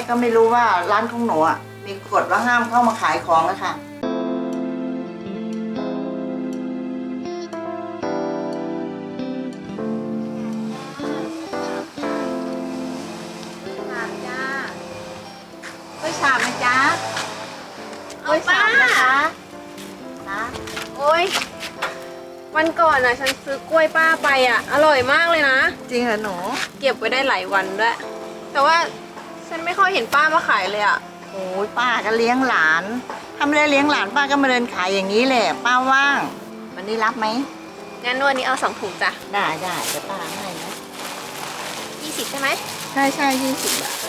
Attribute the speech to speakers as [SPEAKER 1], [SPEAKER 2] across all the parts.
[SPEAKER 1] ก็ไม่รู้ว่าร้านของหนูอ่ะมีกฎว่าห้ามเข้ามาขายของนะคะชามไหมจ๊ะกล้วยชามนะคะนะ
[SPEAKER 2] โอ๊ยวันก่อนฉันซื้อกล้วยป้าไปอร่อยมากเลยนะ
[SPEAKER 1] จริงเหรอหนู
[SPEAKER 2] เก็บไว้ได้หลายวันด้วยแต่ว่าฉันไม่ค่อยเห็นป้ามาขายเลย
[SPEAKER 1] โอ้ยป้าก็เลี้ยงหลานถ้าไม่ได้เลี้ยงหลานป้าก็มาเดินขายอย่างนี้แหละป้าว่างวันนี้รับไหม
[SPEAKER 2] งั้นวันนี้เอา2 ถุงจ้ะ
[SPEAKER 1] ได้เดี๋ยวป้าให้นะ
[SPEAKER 2] 20ใช่ไหม
[SPEAKER 1] ใช่20 บาท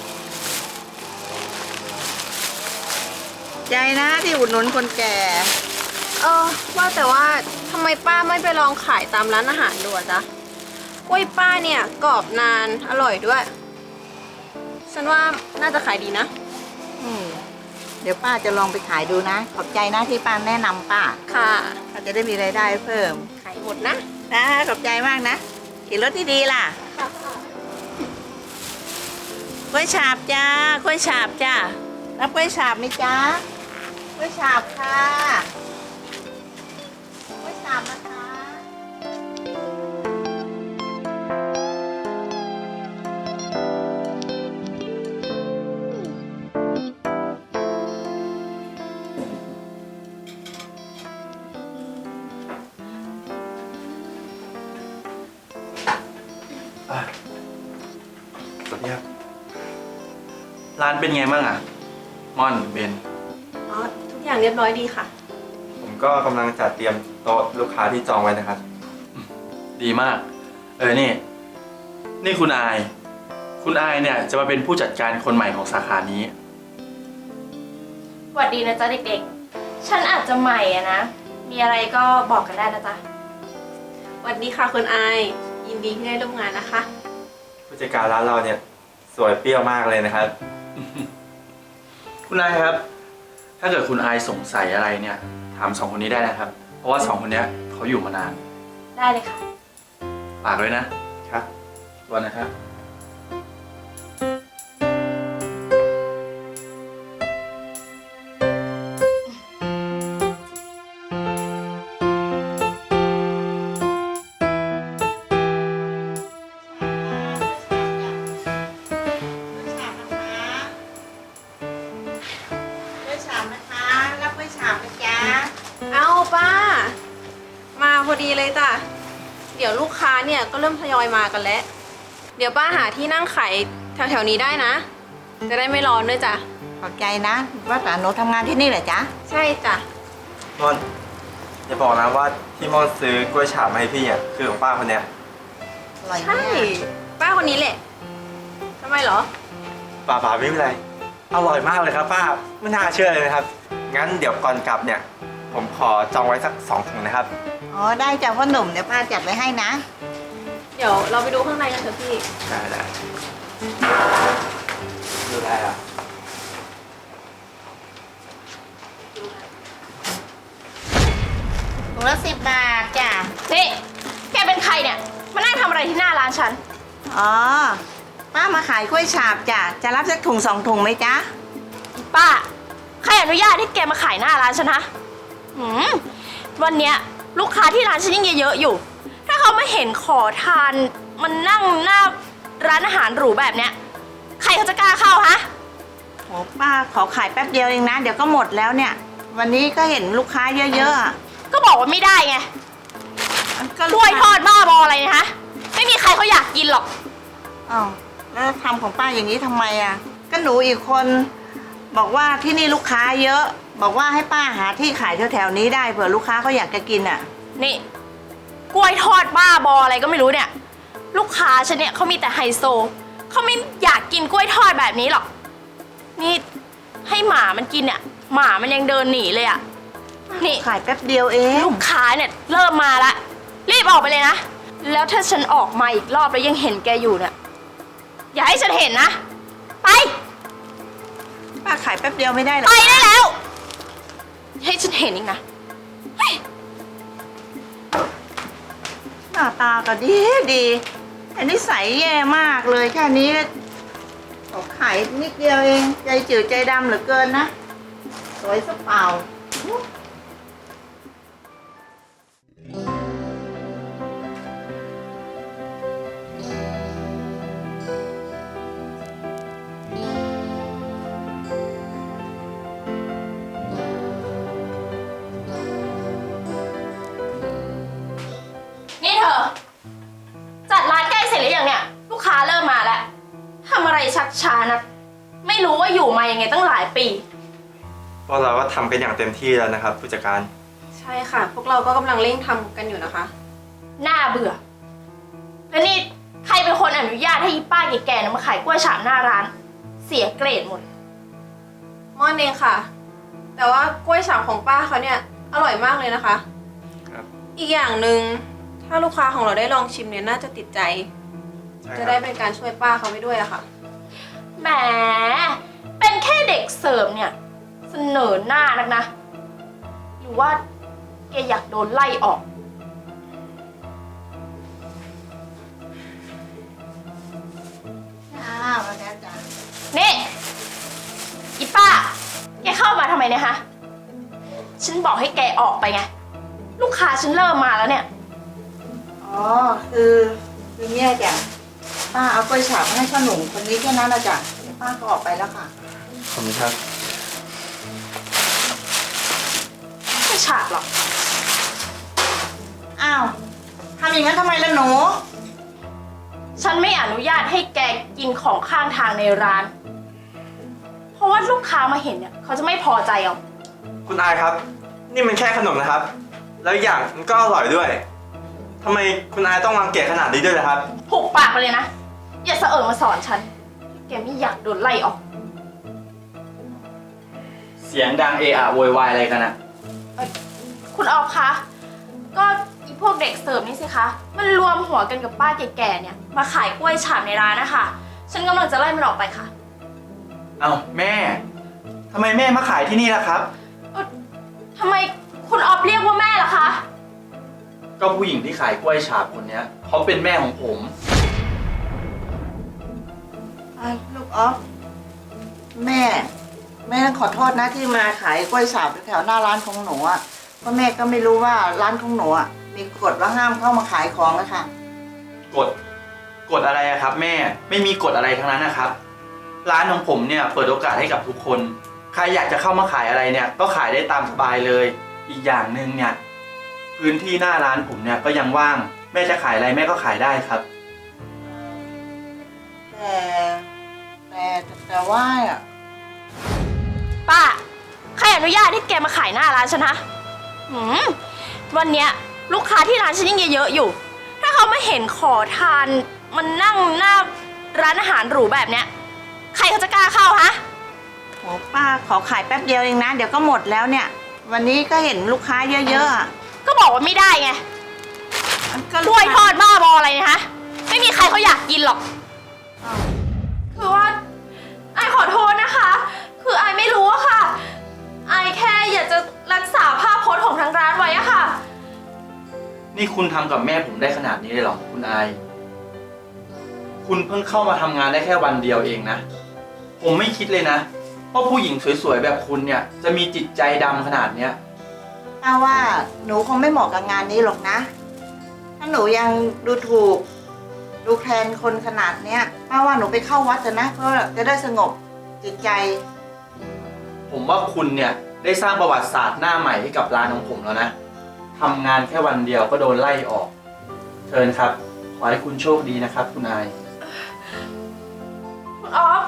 [SPEAKER 1] ใจนะที่อุดหนุนคนแก่
[SPEAKER 2] ว่าแต่ว่าทำไมป้าไม่ไปลองขายตามร้านอาหารดูจ๊ะกล้วยป้าเนี่ยกรอบนานอร่อยด้วยฉันว่าน่าจะขายดีนะ
[SPEAKER 1] เดี๋ยวป้าจะลองไปขายดูนะขอบใจนะที่ป้าแนะนำป้า
[SPEAKER 2] ค่ะ
[SPEAKER 1] ป้าจะได้มีรายได้เพิ่ม
[SPEAKER 2] ขายหมดนะ
[SPEAKER 1] ขอบใจมากนะขี่รถที่ดีล่ะกล้วยฉาบจ้ากล้วยฉาบจ้ารับกล้วยฉาบไหมจ้ากล้วยฉาบค่ะกล้วยฉาบนะคะ
[SPEAKER 3] สวัสดีครับร้านเป็นไงบ้างม่อนเบน
[SPEAKER 2] ทุกอย่างเรียบร้อยดีค่ะ
[SPEAKER 3] ผมก็กำลังจัดเตรียมโต๊ะลูกค้าที่จองไว้นะครับดีมากนี่คุณอายเนี่ยจะมาเป็นผู้จัดการคนใหม่ของสาขานี้
[SPEAKER 4] สวัสดีนะจ๊ะเด็กๆ ฉันอาจจะใหม่นะ มีอะไรก็บอกกันได้นะจ๊ะ
[SPEAKER 2] สวัสดีค่ะคุณอายยินดีที่ได้ร่วมงานนะคะ
[SPEAKER 3] ผู้จัดการร้านเราเนี่ยสวยเปรี้ยวมากเลยนะครับ คุณอายครับ ถ้าเกิดคุณอายสงสัยอะไรเนี่ยถาม2 คนนี้ได้นะครับ เพราะว่า2 คนนี้เขาอยู่มานาน
[SPEAKER 4] ได้เลยค่ะ
[SPEAKER 3] ฝากด้วยนะครับวันนะครับ
[SPEAKER 2] เอาป้ามาพอดีเลยจ้ะเดี๋ยวลูกค้าเนี่ยก็เริ่มทยอยมากันแล้วเดี๋ยวป้าหาที่นั่งขายแถวๆนี้ได้นะจะได้ไม่ร้อนด้วยจ้ะ
[SPEAKER 1] ขอบใจนะว่าแต่หนูทำงานที่นี่เหรอจ๊ะ
[SPEAKER 2] ใช่จ้ะ
[SPEAKER 3] ม่อนอย่าบอกนะว่าที่ม่อนซื้อกล้วยฉาบมาให้พี่อ่ะคือของป้าคนเนี้ย
[SPEAKER 1] อร่อย
[SPEAKER 2] ใช่
[SPEAKER 1] มาก
[SPEAKER 2] ป้าคนนี้แหละทำไมเหรอ
[SPEAKER 3] ป่าไม่เป็นไรอร่อยมากเลยครับป้าไม่น่าเชื่อเลยนะครับงั้นเดี๋ยวก่อนกลับเนี่ยผมขอจองไว้สัก2 ถุงนะครับ
[SPEAKER 1] อ๋อได้จ้ะพ่อหนุ่มเดี๋ยวป้าจัดไว้ให้นะ
[SPEAKER 2] เดี๋ยวเราไปดูข้างในกันเถอะพี่
[SPEAKER 3] ได้ดูได้อ่ะ
[SPEAKER 1] ถุงละ10 บาทจ้ะ
[SPEAKER 4] นี่ แกเป็นใครเนี่ย มานั่งทำอะไรที่หน้าร้านฉัน
[SPEAKER 1] อ๋อป้ามาขายกล้วยฉาบจ้ะจะรับสักถุง2 ถุงไหมจ๊ะ
[SPEAKER 4] ป้า ใครอนุญาตให้แกมาขายหน้าร้านฉันฮะวันเนี้ยลูกค้าที่ร้านฉันยังเยอะๆอยู่ ถ้าเขามาเห็นขอทานมันนั่งหน้าร้านอาหารหรูแบบเนี้ย ใครเขาจะกล้าเข้าฮะ
[SPEAKER 1] โหป้าขอขายแป๊บเดียวเองนะเดี๋ยวก็หมดแล้วเนี่ย วันนี้ก็เห็นลูกค้าเยอะๆอะ
[SPEAKER 4] ก็บอกว่าไม่ได้ไง
[SPEAKER 1] ก็
[SPEAKER 4] กล้วยทอดบ้าบออะไรนะฮะ ไม่มีใครเขาอยากกินหรอก
[SPEAKER 1] อ้าวแล้วทำของป้าอย่างนี้ทำไมอ่ะก็หนูอีกคนบอกว่าที่นี่ลูกค้าเยอะ บอกว่าให้ป้าหาที่ขายแถวๆนี้ได้เผื่อลูกค้าเขาอยากจะกินอ่ะ
[SPEAKER 4] นี่กล้วยทอดบ้าบออะไรก็ไม่รู้เนี่ย ลูกค้าฉันเนี่ยเขามีแต่ไฮโซเขาไม่อยากกินกล้วยทอดแบบนี้หรอกนี่ให้หมามันกินเนี่ยหมามันยังเดินหนีเลยอะนี่
[SPEAKER 1] ขายแป๊บเดียวเอง
[SPEAKER 4] ลูกค้าเนี่ยเริ่มมาละรีบออกไปเลยนะแล้วถ้าฉันออกมาอีกรอบแล้วยังเห็นแกอยู่เนี่ยอย่าให้ฉันเห็นนะไป
[SPEAKER 1] ป้าขายแป๊บเดียวไม่ได้หรอ
[SPEAKER 4] ไปได้แล้วอย่าให้ฉันเห็นอีกนะ
[SPEAKER 1] หน้าตาก็ดีดีแต่นิสัยแย่มากเลยแค่นี้โเขาขายนิดเดียวเองใจจืดใจดำเหลือเกินนะสวยซะเปล่า
[SPEAKER 4] นี่เธอ จัดร้านใกล้เสร็จหรือยังเนี่ย ลูกค้าเริ่มมาแล้วทำอะไรชักช้านะไม่รู้ว่าอยู่มายังไงตั้งหลายปี
[SPEAKER 3] พวกเราก็ทำกันอย่างเต็มที่แล้วนะครับผู้จัดการ
[SPEAKER 2] ใช่ค่ะ พวกเราก็กำลังเร่งทำกันอยู่นะคะ
[SPEAKER 4] น่าเบื่อ แล้วนี่ใครเป็นคนอนุญาตให้อีป้าแก่ๆนะมาขายกล้วยฉาบหน้าร้าน เสียเกรดหมด
[SPEAKER 2] ม่อนเองค่ะ แต่ว่ากล้วยฉาบของป้าเขาเนี่ยอร่อยมากเลยนะคะ
[SPEAKER 3] ครับ
[SPEAKER 2] อีกอย่างหนึ่งถ้าลูกค้าของเราได้ลองชิมเนี่ยน่าจะติดใจ
[SPEAKER 3] ใช่
[SPEAKER 2] จะ
[SPEAKER 3] ค
[SPEAKER 2] ได้
[SPEAKER 3] รับ
[SPEAKER 2] เป็นการช่วยป้าเขาไปด้วยอะค่ะ
[SPEAKER 4] แหม เป็นแค่เด็กเสิร์ฟเนี่ย เสนอหน้านักนะ หรือว่าแกอยากโดนไล่ออก
[SPEAKER 1] จ้ามาแล้วจ้า
[SPEAKER 4] นี่อีป้า แกเข้ามาทำไมเนี่ยฮะ ฉันบอกให้แกออกไปไง ลูกค้าฉันเริ่มมาแล้วเนี่ย
[SPEAKER 1] อ๋อคือเนี่ยจ้ะป้าเอากล้วยฉาบมาให้พ่อหนุ่มคนนี้แค่นั้นนะจ้ะเดี๋ยวป้าก็ออกไปแล้วค่ะ
[SPEAKER 3] ขอบคุณครับ
[SPEAKER 4] ไม่ฉาบหรอก
[SPEAKER 1] อ้าวทำอย่างนั้นทำไมล่ะหนู
[SPEAKER 4] ฉันไม่อนุญาตให้แกกินของข้างทางในร้าน เพราะว่าลูกค้ามาเห็นเนี่ยเขาจะไม่พอใจเอา
[SPEAKER 3] คุณอายครับ นี่มันแค่ขนมนะครับ แล้วอีกอย่างมันก็อร่อยด้วยทำไมคุณอายต้องรังเกียจขนาดนี้ด้วยล่ะครับ
[SPEAKER 4] ผูกปากไปเลยนะ อย่าเสอะมาสอนฉัน แกไม่อยากโดนไล่ออก
[SPEAKER 3] เสียงดังเอะอะโวยวายอะไรกันอะ
[SPEAKER 4] คุณออฟคะ ก็อีพวกเด็กเสิร์ฟนี่สิคะ มันรวมหัวกันกับป้าแก่ๆเนี่ย มาขายกล้วยฉาบในร้านนะคะ ฉันกำลังจะไล่มันออกไปค่ะ
[SPEAKER 3] เอ้าแม่ทำไมแม่มาขายที่นี่ล่ะครับ
[SPEAKER 4] ทำไมคุณออฟเรียกว่าแม่ล่ะคะ
[SPEAKER 3] ก็ผู้หญิงที่ขายกล้วยฉาบคนเนี้ยเขาเป็นแม่ของผม
[SPEAKER 1] ลูกออฟแม่ต้องขอโทษนะที่มาขายกล้วยฉาบแถวหน้าร้านของหนูอ่ะเพราะแม่ก็ไม่รู้ว่าร้านของหนูอ่ะมีกฎว่าห้ามเข้ามาขายของนะคะ
[SPEAKER 3] กฎอะไรอะครับ แม่ไม่มีกฎอะไรทั้งนั้นนะครับ ร้านของผมเนี่ยเปิดโอกาสให้กับทุกคน ใครอยากจะเข้ามาขายอะไรเนี่ยก็ขายได้ตามสบายเลย อีกอย่างหนึ่งเนี่ยพื้นที่หน้าร้านผมเนี่ยก็ยังว่าง แม่จะขายอะไรแม่ก็ขายได้ครับ
[SPEAKER 1] แต่ว่าอ่ะ
[SPEAKER 4] ป้า ใครอนุญาตให้แกมาขายหน้าร้านฉันฮะวันเนี้ยลูกค้าที่ร้านฉันยังเยอะๆอยู่ ถ้าเขามาเห็นขอทานมันนั่งหน้าร้านอาหารหรูแบบเนี้ย ใครเขาจะกล้าเข้าฮะ
[SPEAKER 1] โหป้าขอขายแป๊บเดียวเองนะเดี๋ยวก็หมดแล้วเนี่ย วันนี้ก็เห็นลูกค้าเยอะๆอ่ะ
[SPEAKER 4] ก็บอกว่าไม่ได้ไง
[SPEAKER 1] ก็
[SPEAKER 4] กล้วยทอดบ้าบออะไรเนะฮะ ไม่มีใครเขาอยากกินหรอก
[SPEAKER 1] อ้าว
[SPEAKER 4] คือว่าไอขอโทษนะคะ คือไอไม่รู้อะค่ะ ไอแค่อยากจะรักษาภาพพจน์ของทางร้านไว้อะค่ะ
[SPEAKER 3] นี่คุณทำกับแม่ผมได้ขนาดนี้เลยเหรอคุณอาย คุณเพิ่งเข้ามาทำงานได้แค่วันเดียวเองนะ ผมไม่คิดเลยนะว่าผู้หญิงสวยๆแบบคุณเนี่ยจะมีจิตใจดำขนาดเนี้ย
[SPEAKER 1] ป้าว่าหนูคงไม่เหมาะกับงานนี้หรอกนะ ถ้าหนูยังดูถูก ดูแคลนคนขนาดเนี้ยป้าว่าหนูไปเข้าวัดเถอะนะเพื่อจะได้สงบจิตใจ
[SPEAKER 3] ผมว่าคุณเนี่ยได้สร้างประวัติศาสตร์หน้าใหม่ให้กับร้านของผมแล้วนะทำงานแค่วันเดียวก็โดนไล่ออก เชิญครับ ขอให้คุณโชคดีนะครับ คุณอาย
[SPEAKER 4] คุณออฟ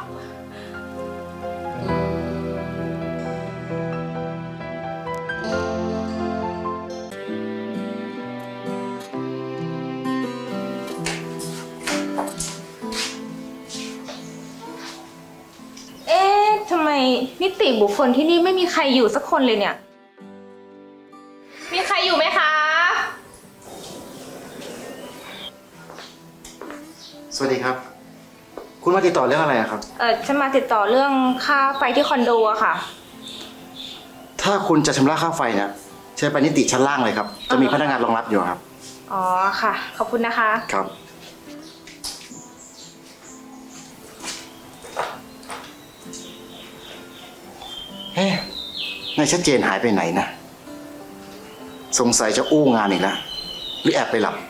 [SPEAKER 5] เอ๊ะทำไมนิติบุคคลที่นี่ไม่มีใครอยู่สักคนเลยเนี่ย มีใครอยู่ไหมคะ
[SPEAKER 6] สวัสดีครับ คุณมาติดต่อเรื่องอะไรอะครับ
[SPEAKER 5] ฉันมาติดต่อเรื่องค่าไฟที่คอนโดอะค่ะ
[SPEAKER 6] ถ้าคุณจะชำระค่าไฟเนี่ยเชิญไปนิติชั้นล่างเลยครับ จะมีพนักงานรองรับอยู่ครับ
[SPEAKER 5] อ๋อค่ะ ขอบคุณนะคะ
[SPEAKER 6] ครับนายชัดเจนหายไปไหนนะ สงสัยจะอู้งานอีกแล้ว หรือแอบไปหลับ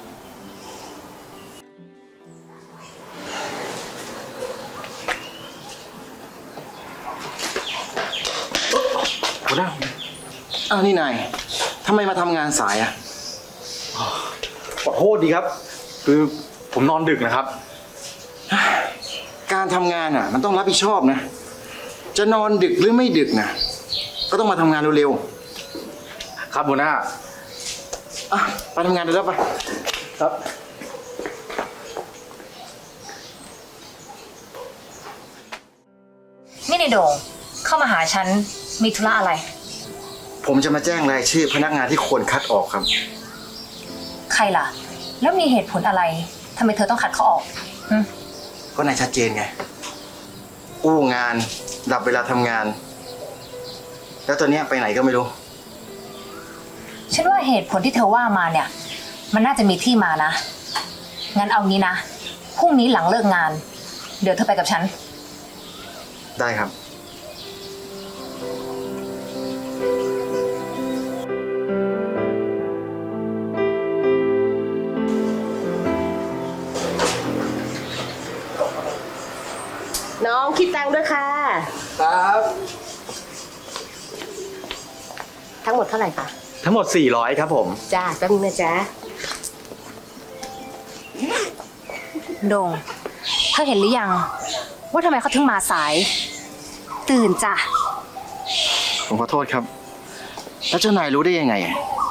[SPEAKER 3] หัวหน้า
[SPEAKER 6] อ้าวนี่นายทำไมมาทำงานสายอ่ะ
[SPEAKER 3] ขอโทษดีครับ คือผมนอนดึกนะครับ
[SPEAKER 6] การทำงานอ่ะ มันต้องรับผิดชอบนะ จะนอนดึกหรือไม่ดึกนะก็ต้องมาทำงานเร็ว
[SPEAKER 3] ครับหัวหน้า
[SPEAKER 6] ๆอ่ะไปทำงานเลยแล้วไป
[SPEAKER 3] ครับ
[SPEAKER 7] นี่ในโด่งเข้ามาหาฉันมีธุระอะไร
[SPEAKER 6] ผมจะมาแจ้งรายชื่อพนักงานที่ควรคัดออกครับ
[SPEAKER 7] ใครล่ะ แล้วมีเหตุผลอะไรทำไมเธอต้องคัดเขาออกหึ
[SPEAKER 6] ก็นายชัดเจนไง อู้งาน ดับเวลาทำงาน แล้วตอนเนี้ยไปไหนก็ไม่รู้
[SPEAKER 7] ฉันว่าเหตุผลที่เธอว่ามาเนี่ย มันน่าจะมีที่มานะ งั้นเอางี้นะพรุ่งนี้หลังเลิกงาน เดี๋ยวเธอไปกับฉัน
[SPEAKER 6] ได้ครับ
[SPEAKER 4] น้องคิดตังค์ด้วยค่ะ
[SPEAKER 3] ครับ
[SPEAKER 4] ทั้งหมดเท่าไหร่คะ
[SPEAKER 3] ทั้งหมด400ครับผม
[SPEAKER 4] จ้าแป๊บนึงนะจ๊ะ
[SPEAKER 7] โด่งเธอเห็นหรือยัง ว่าทำไมเขาถึงมาสาย ตื่นจ้ะ
[SPEAKER 6] ผมขอโทษครับ แล้วเจ้านายรู้ได้ยังไง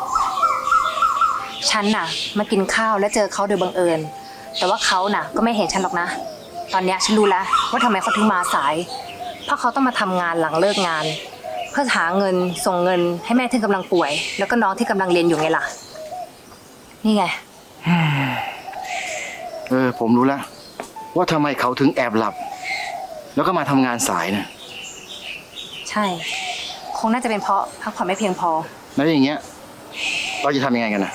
[SPEAKER 7] ฉันน่ะมากินข้าวแล้วเจอเขาโดยบังเอิญ แต่ว่าเขาน่ะก็ไม่เห็นฉันหรอกนะ ตอนเนี้ยฉันรู้แล้วว่าทำไมเขาถึงมาสาย เพราะเขาต้องมาทำงานหลังเลิกงาน เพื่อหาเงินส่งเงินให้แม่ที่กำลังป่วย แล้วก็น้องที่กำลังเรียนอยู่ไงล่ะ นี่ไง
[SPEAKER 6] ผมรู้แล้ว ว่าทำไมเขาถึงแอบหลับ แล้วก็มาทำงานสายนะ
[SPEAKER 7] ใช่ คงน่าจะเป็นเพราะพักผ่อนไม่เพียงพอ
[SPEAKER 6] แล้วอย่างเงี้ย เราจะทำยังไงกันนะ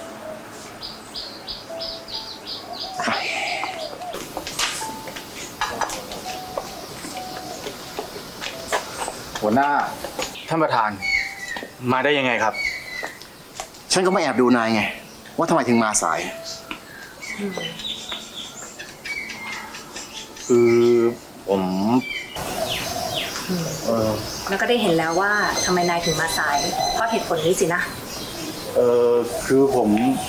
[SPEAKER 3] หัวหน้า ท่านประธาน มาได้ยังไงครับ
[SPEAKER 6] ฉันก็มาแอบดูนายไง ว่าทำไมถึงมาสาย คือผม
[SPEAKER 7] แล้วก็ได้เห็นแล้วว่าทำไมนายถึงมาสาย เพราะเหตุผลนี้สินะ
[SPEAKER 6] คือผม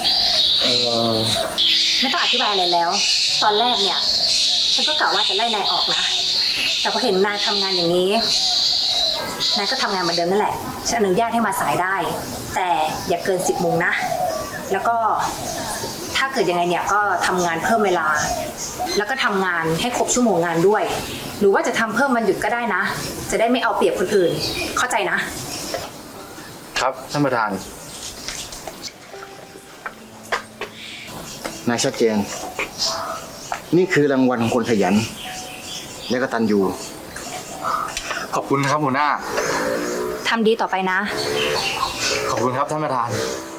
[SPEAKER 7] ไม่ต้องอธิบายอะไรแล้ว ตอนแรกเนี่ย ฉันก็กะว่าจะไล่นายออกนะ แต่พอเห็นนายทำงานอย่างนี้ นายก็ทำงานเหมือนเดิมนั่นแหละ ฉันอนุญาตให้มาสายได้ แต่อย่าเกิน 10 โมงนะ แล้วก็ถ้าเกิดยังไงเนี่ยก็ทำงานเพิ่มเวลา แล้วก็ทำงานให้ครบชั่วโมงงานด้วย หรือว่าจะทำเพิ่มวันหยุดก็ได้นะ จะได้ไม่เอาเปรียบคนอื่น เข้าใจนะ
[SPEAKER 3] ครับท่านประธาน
[SPEAKER 6] นายชัดเจน นี่คือรางวัลของคนขยัน และกตัญญู
[SPEAKER 3] ขอบคุณครับหัวหน้า
[SPEAKER 7] ทำดีต่อไปนะ
[SPEAKER 3] ขอบคุณครับท่านประธาน
[SPEAKER 7] ค